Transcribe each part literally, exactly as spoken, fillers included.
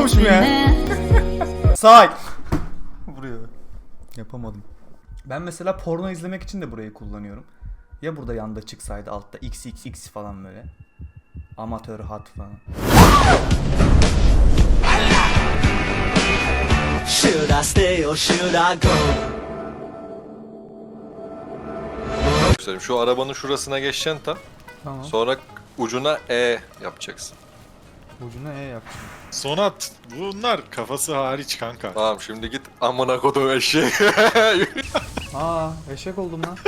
yapıyormuşum ya. Say. Buraya. Yapamadım. Ben mesela porno izlemek için de burayı kullanıyorum. Ya burada yanda çıksaydı altta X X X falan böyle. Amatör hat falan. Should I stay or should I go? Şu arabanın şurasına geçeceksin tam. Tamam. Sonra ucuna E yapacaksın. Ucuna E yapacağım. Sonat bunlar kafası hariç kanka. Tamam şimdi git amına kodum eşeği. Aa eşek oldum lan.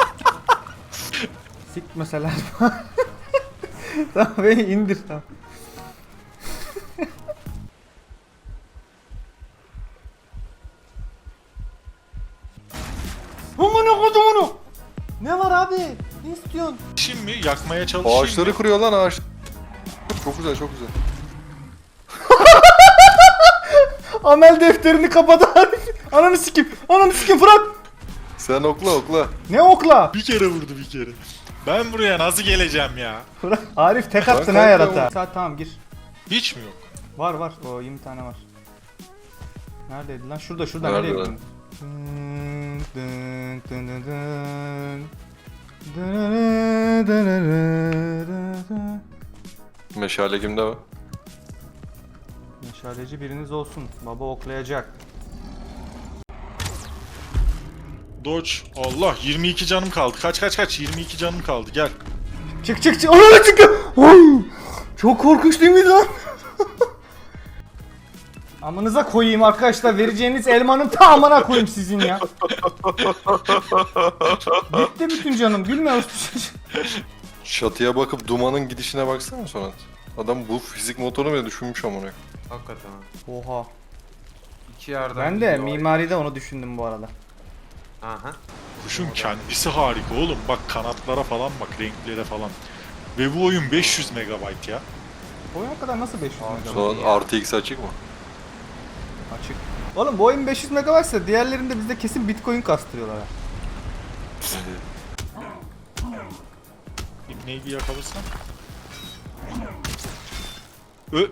Sik mesela. Tamam beni indir tamam. Amına kodum onu. Ne var abi? Ne istiyorsun? Şimdi yakmaya çalışayım. Ağaçları mı? kırıyor lan ağaç. Çok güzel çok güzel. Amel defterini kapadı Arif. Ananı sikim. Ananı sikim Fırat. Sen okla okla. Ne okla? Bir kere vurdu bir kere. Ben buraya nasıl geleceğim ya? Fırat. Arif tek attın Ben ha korkuyorum. yarata. Saat tamam gir. Hiç mi yok? Var var. O yirmi tane var. Neredeydi lan? Şurada şurada. Nerede Nereye lan? gittin? Dın dın dın dın dın. Dın dın dın dın dın. Meşale kimde var? Meşaleci biriniz olsun. Baba oklayacak. Dodge. Allah yirmi iki canım kaldı. Kaç kaç kaç yirmi iki canım kaldı gel. Çık çık çık. Ananı çık. Oy! Çok korkunç değil miydi lan? Amınıza koyayım arkadaşlar. Vereceğiniz elmanın tamamına koyayım sizin ya. Gitti bütün canım. Gülme usta. Çatıya bakıp dumanın gidişine baksana Sonat. Adam bu fizik motoru bile düşünmüş amına. Hakikaten ha. Oha. İki yerden Ben de gidiyor. mimaride onu düşündüm bu arada. Aha. Kuşun kendisi harika oğlum. Bak kanatlara falan bak renklere falan. Ve bu oyun beş yüz megabayt ya. Oyun kadar nasıl beş yüz megabayt? Sonat artı X açık mı? Açık. Oğlum bu oyun beş yüz megabaytsa diğerlerinde bizde kesin bitcoin kastırıyorlar ha. İbneyi bir yakalarsan. Ö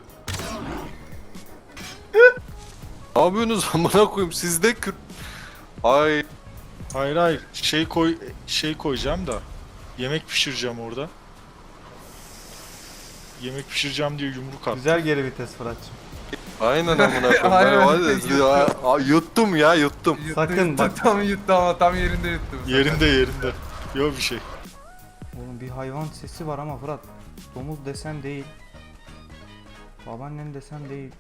Ne yapıyorsunuz amına koyayım sizde kır... Ay. Hayır hayır şey koy şey koyacağım da yemek pişireceğim orada. Yemek pişireceğim diye yumruk attım. Güzel geri vites Fırat'cığım. Aynen amına koyayım. Ben Aynen. var ya, ya, yuttum ya yuttum. Yuttu, Sakın yuttu, bak. Tam yuttu ama tam yerinde yuttu. bu sefer. Yerinde yerinde. Yok bir şey. Oğlum bir hayvan sesi var ama Fırat. Domuz desen değil. Babaannen desen değil.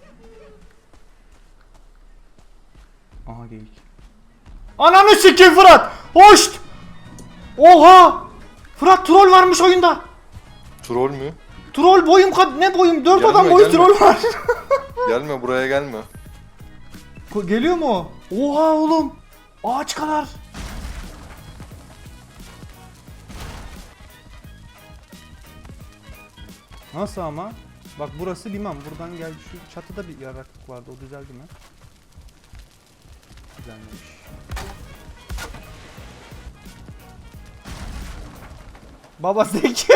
Aha geyik. Ananı sikeyim Fırat! Hoşt! Oha! Fırat troll varmış oyunda. Troll mü? Troll boyum kad ne boyum? Dört Gelme, adam boyu gelme. troll var. Gelme buraya gelme. Ko- Geliyor mu? o? Oha oğlum. Ağaç kadar. Nasıl ama? Bak burası liman. Buradan gel şu çatıda bir yaraklık vardı. O düzeldi mi? Düzelmemiş. Baba Zeki.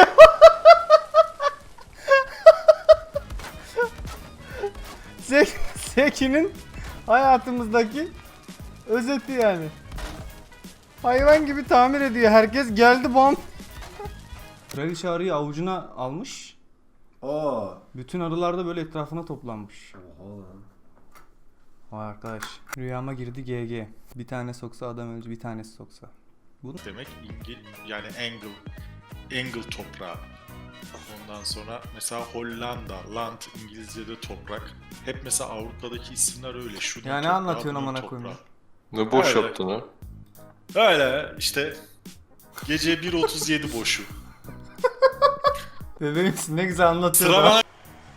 Zeki Zeki'nin hayatımızdaki özeti yani. Hayvan gibi tamir ediyor. Herkes geldi bam. Kraliçe arıyı avucuna almış. Aa. Bütün arılar da böyle etrafına toplanmış. Oha lan. Vay arkadaş. Rüyama girdi G G. Bir tane soksa adam öldü, bir tanesi soksa. Bu Demek İngil yani angle angle toprağı. Ondan sonra mesela Hollanda, land İngilizce'de toprak. Hep mesela Avrupa'daki isimler öyle. Şunun Ya ne toprağı, anlatıyorsun bunun amına toprağı. koyayım? Ne boş Öyle. yaptın ha? Öyle işte gece bir otuz yedi boşu. Bebeğimsin ne güzel anlatıyor. Sıra da. bana.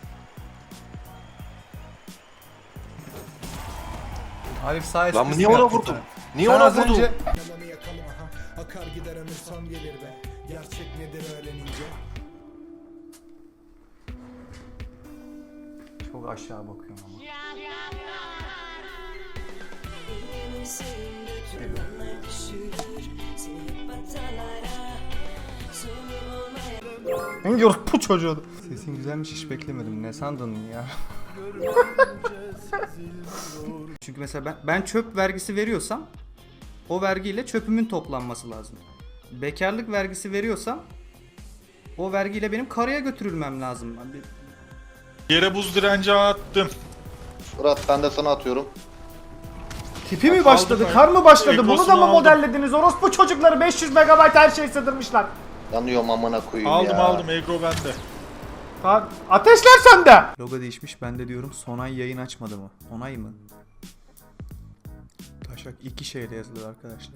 Arif sağ Lan esprisi niye ona yaptı vurdun? sana. Niye Sen ona az vurdun? önce Yalanı yakalım aha. Akar gider ömür son gelir be. Gerçek nedir öğrenince. çok aşağı bakıyorum ama. Hangi orospu çocuğu? Sesin güzelmiş hiç beklemedim. Ne sandın ya? Çünkü mesela ben, ben çöp vergisi veriyorsam o vergiyle çöpümün toplanması lazım. Bekarlık vergisi veriyorsam o vergiyle benim karaya götürülmem lazım. Ben bir- Yere buz direnci attım. Murat ben de sana atıyorum. Tipi mi Bak, başladı, aldım kar mı başladı? ben. Bunu da Ekrosunu mı aldım. modellediniz? Orospu çocukları beş yüz megabayt her şey sığdırmışlar. Yanıyorum amına koyayım Aldım ya. aldım Egro bende. Abi, ateşler sende. Logo değişmiş, ben de diyorum Sonay yayın açmadı mı? Onay mı? Taşak iki şeyle yazılıyor arkadaşlar.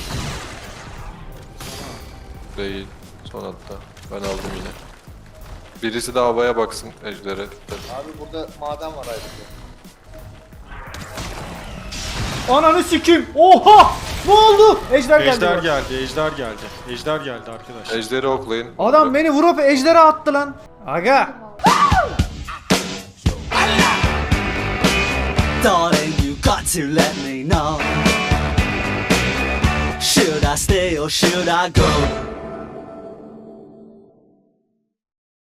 Değil. Son hatta. Ben aldım yine. Birisi de havaya baksın ejdere. Abi burada maden var ayrıca. Ananı sikeyim. Oha! Ne oldu? Ejder geldi. Ejder bak. geldi, ejder geldi. Ejder geldi arkadaşlar. Ejderi oklayın. Adam beni vurup ejdere attı lan. Aga. Darling, you got to let me know. Should I stay or should I go?